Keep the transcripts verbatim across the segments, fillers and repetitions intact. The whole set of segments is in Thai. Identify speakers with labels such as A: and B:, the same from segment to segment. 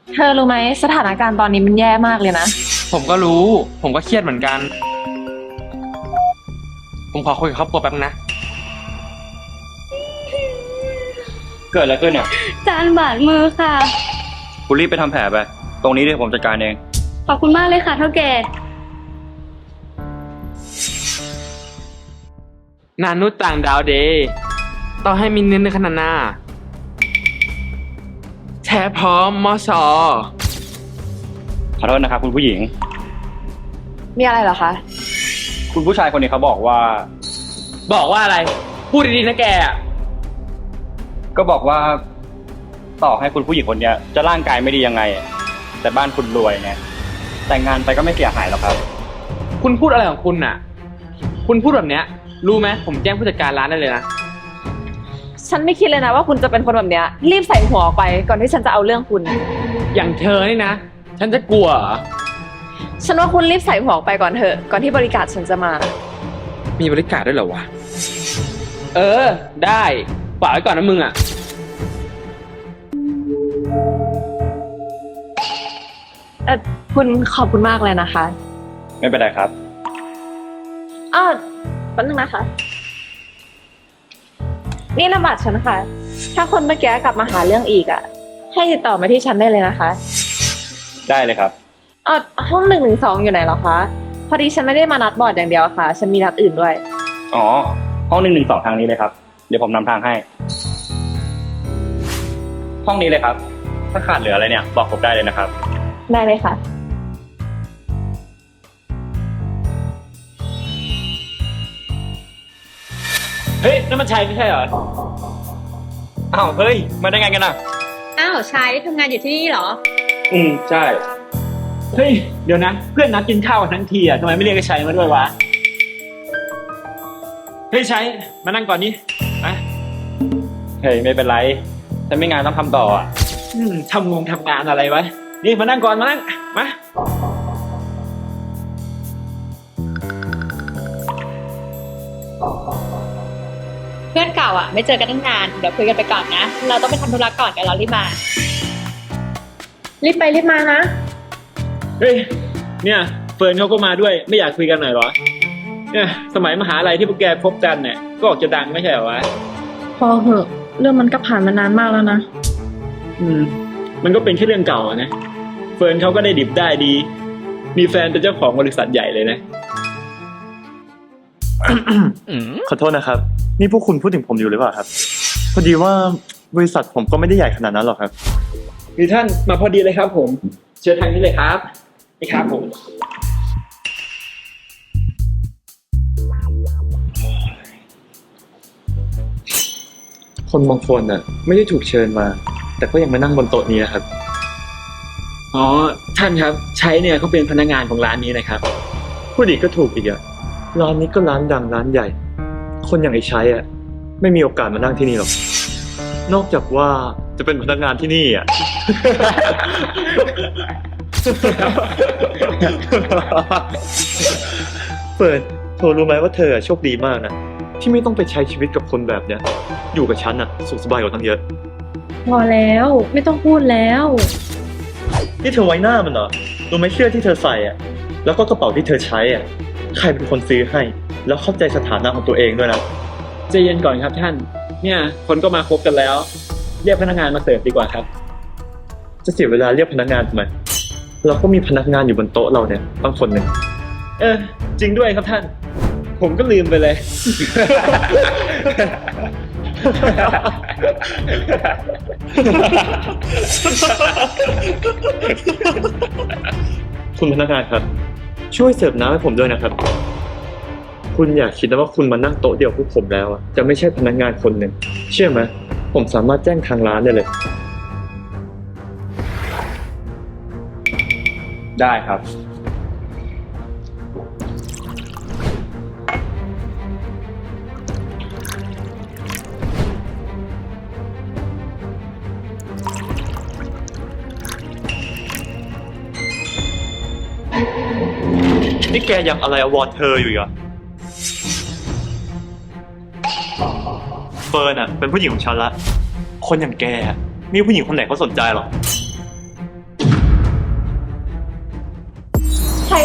A: เธอรู้ไหมสถานการณ์ตอนนี้มันแย่มากเลยนะ
B: ผมก็รู้ ผมก็เครียดเหมือนกัน ผมขอคุยกับครอบครัวแป๊บนึงนะ
C: เกิดอะไรขึ้นเนี่ย
D: จานบาดมือค่ะ
C: คุณรีบไปทำแผลไป ตรงนี้เดี๋ยวผมจัดการเอง
D: ขอบคุณมากเลยค่ะเท่าแก่
B: นานุษย์ต่างดาวเดย์ต้องให้มีเนื้อในขนาดหน้าแท้พร้อมมอสอ
C: ขอโทษนะครับคุณผู้หญิง
A: มีอะไรเหรอคะ
C: คุณผู้ชายคนนี้เขาบอกว่า
B: บอกว่าอะไร พูดดีๆนะแกอะ
C: ก็บอกว่า ต่อให้คุณผู้หญิงคนเนี้ย จะร่างกายไม่ดียังไง แต่บ้านคุณรวยเนี่ยแต่งงานไปก็ไม่เสียหายหรอกครับ
B: คุณพูดอะไรของคุณน่ะ คุณพูดแบบเนี้ย รู้ไหมผมแจ้งผู้จัดการร้านได้เลยนะ
A: ฉันไม่คิดเลยนะว่าคุณจะเป็นคนแบบเนี้ย รีบใส่หัวออกไปก่อนที่ฉันจะเอาเรื่องคุณ
B: อย่างเธอนี่นะ ฉันจะกลัวเหรอ
A: ฉันว่าคุณรีบใส่หัวออกไปก่อนเถอะ ก่อนที่บริการฉันจะมา
B: มีบริการด้วยเหรอวะ เออ ได้ฝากไว้ก่อนนะมึงอ่ะ
A: เออคุณขอบคุณมากเลยนะคะ
C: ไม่เป็นไรครับ
A: อ้าวแป๊บนึงนะคะ นี่นามบัตรฉันค่ะ ถ้าคนเมื่อกี้กลับมาหาเรื่องอีกอ่ะ ให้ติดต่อมาที่ฉันได้เลยนะคะ
C: ได้เลยครับ
A: อ๋อห้องหนึ่งหนึ่งสองอยู่ไหนเหรอคะ พอดีฉันไม่ได้มานัดบอร์ดอย่างเดียวค่ะ ฉันมีนัดอื่นด้วย
C: อ๋อ ห้องหนึ่งหนึ่งสองทางนี้เลยครับ เดี๋ยวผมนำทางให้ ห้องนี้เลยครับ ถ้าขาดเหลืออะไรเนี่ย บอกผมได้เลยนะครับ
A: ได้เลยค่ะ
B: เฮ้ยนั่นมันชัยไม่ใช่เหรอ
C: อ้าว เฮ้ย มาได้ไงกันอ่ะ
D: อ้าวชายได้ทำงานอยู่ที่นี่เหรอ
C: อืม ใช่
E: เฮ้ย เดี๋ยวนะ เพื่อนนัดกินข้าวกันทั้งทีอ่ะทำไมไม่เรียกไอ้ชัยมาด้วยวะ เฮ้ยชัยมานั่งก่อนนี่มา
C: เฮ้ย ไม่เป็นไรฉันไม่งานต้องทำต่ออ่ะ
E: อืมทำงงทำงานอะไรวะ นี่มานั่งก่อนมานั่ง มา
D: เพื่อนเก่าอ่ะ ไม่เจอกันตั้งนาน เดี๋ยวคุยกันไปก่อนนะ เราต้องไปทำธุระก่อนกันเรารีบมา
A: รีบไปรีบมานะ
E: เฮ้ย เนี่ยเฟิร์นเขาก็มาด้วย ไม่อยากคุยกันหน่อยเหรอ เนี่ย สมัยมหาลัยที่พวกแกพบกันเนี่ย ก็ออกจะดังไม่ใช่เหรอวะ
A: พอเหอะ เรื่องมันก็ผ่านมานานมากแล้วนะ
E: อืม มันก็เป็นแค่เรื่องเก่าอะนะ เฟิร์นเขาก็ได้ดิบได้ดี มีแฟนเป็นเจ้าของบริษัทใหญ่เลยนะ
F: ขอโทษนะครับ นี่พวกคุณพูดถึงผมอยู่หรือเปล่าครับ พอดีว่าบริษัทผมก็ไม่ได้ใหญ่ขนาดนั้นหรอกครับ
E: มีท่านมาพอดีเลยครับผม เชิญทางนี้เลยครับ นี่ครับผม
F: คนบางคนน่ะ ไม่ได้ถูกเชิญมา แต่ก็ยังมานั่งบนโต๊ะนี้นะครับ
E: อ๋อ ท่านครับ ใช้เนี่ยเขาเป็นพนักงานของร้านนี้นะครับ
F: พูดอีกก็ถูกอีกอะร้านนี้ก็ร้านดังร้านใหญ่ คนอย่างไอ้ใช้อะไม่มีโอกาสมานั่งที่นี่หรอก นอกจากว่าจะเป็นพนักงานที่นี่อะ เปิดเธอรู้ไหมว่าเธอโชคดีมากนะที่ไม่ต้องไปใช้ชีวิตกับคนแบบเนี้ย อยู่กับฉันอะสุขสบายกว่าตั้งเยอะ
A: พอแล้วไม่ต้องพูดแล้ว
F: นี่เธอไว้หน้ามันเหรอรู้ไหมเสื้อที่เธอใส่อะแล้วก็กระเป๋าที่เธอใช้อะใครเป็นคนซื้อให้ แล้วเข้าใจสถานะของตัวเองด้วยนะ
E: ใจเย็นก่อนครับท่าน เนี่ย คนก็มาคบกันแล้ว เรียกพนักงานมาเสิร์ฟดีกว่าครับ
F: จะเสียเวลาเรียกพนักงานทำไมเราก็มีพนักงานอยู่บนโต๊ะเราเนี่ยตั้งคนหนึ่ง
E: เออ จริงด้วยครับท่าน ผมก็ลืมไปเลย
F: คุณพนักงานครับ ช่วยเสิร์ฟน้ำให้ผมด้วยนะครับ คุณอย่าคิดนะว่าคุณมานั่งโต๊ะเดียวกับผมแล้วอะจะไม่ใช่พนักงานคนหนึ่งเชื่อไหมผมสามารถแจ้งทางร้านได้เลย
C: ได้ครับ
F: นี่แกยังอะไรอวอร์ดเธออยู่อีกเหรอเฟิร์นอะเป็นผู้หญิงของฉันละคนอย่างแกอะมีผู้หญิงคนไหนเขาสนใจหรอ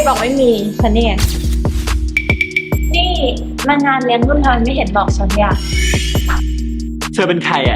A: บอกไม่มี ฉันนี่ไง นี่มางานเลี้ยงรุ่นทำไมไม่เห็นบอกฉันเนี่ย
E: เธอเป็นใครอ่ะ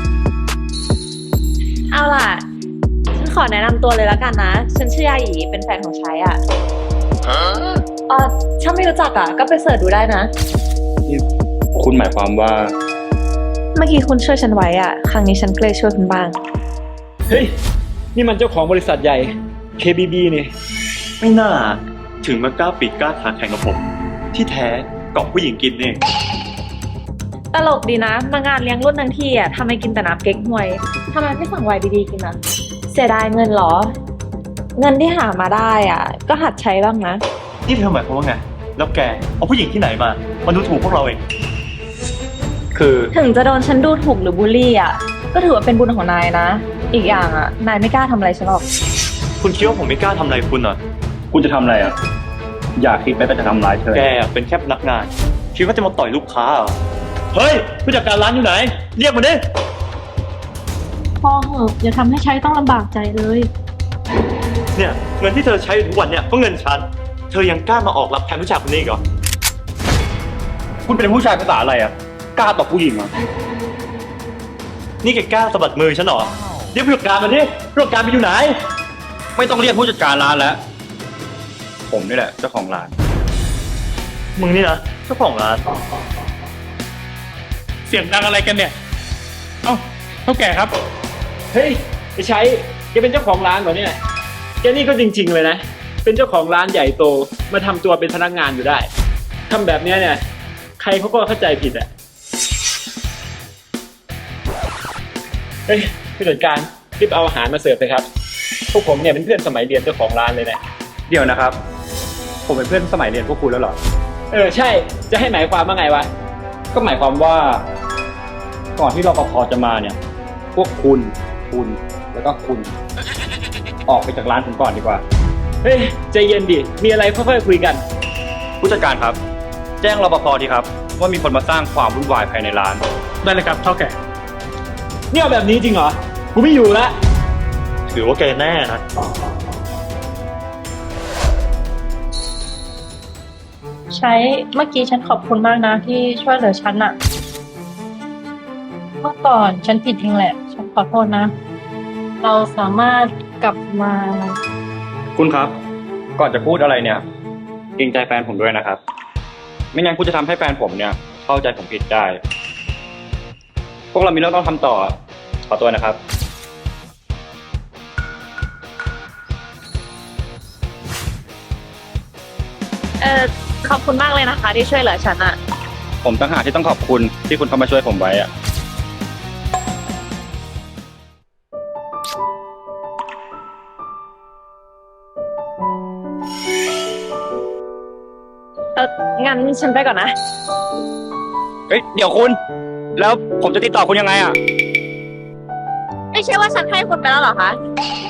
A: เอาล่ะ ฉันขอแนะนำตัวเลยแล้วกันนะ ฉันชื่อยาหยีเป็นแฟนของชัยอ่ะเออถ้าไม่รู้จักอ่ะ ก็ไปเสิร์ชดูได้นะ
C: คุณหมายความว่า
A: เมื่อกี้คุณช่วยฉันไว้อ่ะ ครั้งนี้ฉันก็เลยช่วยคุณบ้าง
E: เฮ้ย นี่มันเจ้าของบริษัทใหญ่ เค บี บี นี่
F: ไม่น่าถึงมากล้าปิดกล้าขาแข่งกับผม ที่แท้เกาะผู้หญิงกินเอง
A: ตลกดีนะ มางานเลี้ยงรุ่นทั้งทีอ่ะทำไมกินแต่น้ำเก๊กฮวยทำไมไม่สั่งไวน์ดีๆกินอ่ะ เสียดายเงินเหรอ เงินที่หามาได้อ่ะ ก็หัดใช้บ้างนะ
F: นี่เธอหมายความว่าไง แล้วแกเอาผู้หญิงที่ไหนมามาดูถูกพวกเราเอง คือ
A: ถึงจะโดนฉันดูถูกหรือบูลลี่อ่ะ ก็ถือว่าเป็นบุญของนายนะ อีกอย่างอ่ะ นายไม่กล้าทำอะไรฉันหรอก
F: คุณคิดว่าผมไม่กล้าทำอะไรคุณเหรอ
C: คุณจะทำอะไรอ่ะ อย่าคิดไปว่าจะทำร้ายเธอ
F: แกเป็นแค่พนักงาน คิดว่าจะมาต่อยลูกค้าเหรอ เฮ้ยผู้จัดการร้านอยู่ไหน เรียกมาดิ
D: พอเหอะอย่าทำให้ใช้ต้องลำบากใจเลย
F: เนี่ยเงินที่เธอใช้อยู่ทุกวันเนี่ยก็เงินฉัน เธอยังกล้ามาออกรับแทนผู้ชายคนนี้อีกเหรอ
C: คุณเป็นผู้ชายภาษาอะไรอ่ะ กล้าตบผู้หญิงเหรอ
F: นี่แกกล้าสะบัดมือฉันเหรอ เรียกผู้จัดการมาดิผู้จัดการไปอยู่ไหน
C: ไม่ต้องเรียกผู้จัดการร้านแล้ว ผมนี่แหละเจ้าของร้าน
F: มึงนี่นะเจ้าของร้าน
E: เสียงดังอะไรกันเนี่ย เอ้าเท่าแก่ครับ เฮ้ยไอ้ชัยแกเป็นเจ้าของร้านเหรอเนี่ย แกนี่ก็จริง ๆ เลยนะ เป็นเจ้าของร้านใหญ่โต มาทำตัวเป็นพนักงานอยู่ได้ ทำแบบเนี้ยเนี่ย ใครเขาก็เข้าใจผิดอ่ะ เฮ้ยผู้จัดการรีบเอาอาหารมาเสิร์ฟเลยครับ พวกผมเนี่ยเป็นเพื่อนสมัยเรียนเจ้าของร้านเลยนะ
C: เดี๋ยวนะครับ ผมเป็นเพื่อนสมัยเรียนพวกคุณแล้วเหรอ
E: เออใช่ จะให้หมายความว่าไงวะ
C: ก็หมายความว่า ก่อนที่รปภจะมาเนี่ย พวกคุณ คุณ แล้วก็คุณ ออกไปจากร้านผมก่อนดีกว่า
E: เฮ้ยใจเย็นดิ มีอะไรค่อยๆคุยกัน
C: ผู้จัดการครับ แจ้งรปภดีครับ ว่ามีคนมาสร้างความวุ่นวายภายในร้าน
E: ได้เลยครับเท่าแก่เนี่ยเอาแบบนี้จริงเหรอ กูไม่อยู่แล้ว
F: ถือว่าแกแน่นะ
D: ใช้เมื่อกี้ฉันขอบคุณมากนะที่ช่วยเหลือฉันอะเมื่อก่อนฉันผิดเองแหละ ฉันขอโทษนะ เราสามารถกลับมา
C: คุณครับ ก่อนจะพูดอะไรเนี่ยเกรงใจแฟนผมด้วยนะครับ ไม่งั้นคุณจะทำให้แฟนผมเนี่ย เข้าใจผมผิดได้ พวกเรามีเรื่องต้องทำต่อ ขอตัวนะครับ
A: เออขอบคุณมากเลยนะคะ ที่ช่วยเหลือฉันอ่ะ
C: ผมต่างหากที่ต้องขอบคุณที่คุณเข้ามาช่วยผมไว้อะ
A: เอองั้นฉันไปก่อนนะ
C: เฮ้ย เดี๋ยวคุณ แล้วผมจะติดต่อคุณยังไงอะ
A: ไม่ใช่ว่าฉันให้คุณไปแล้วเหรอคะ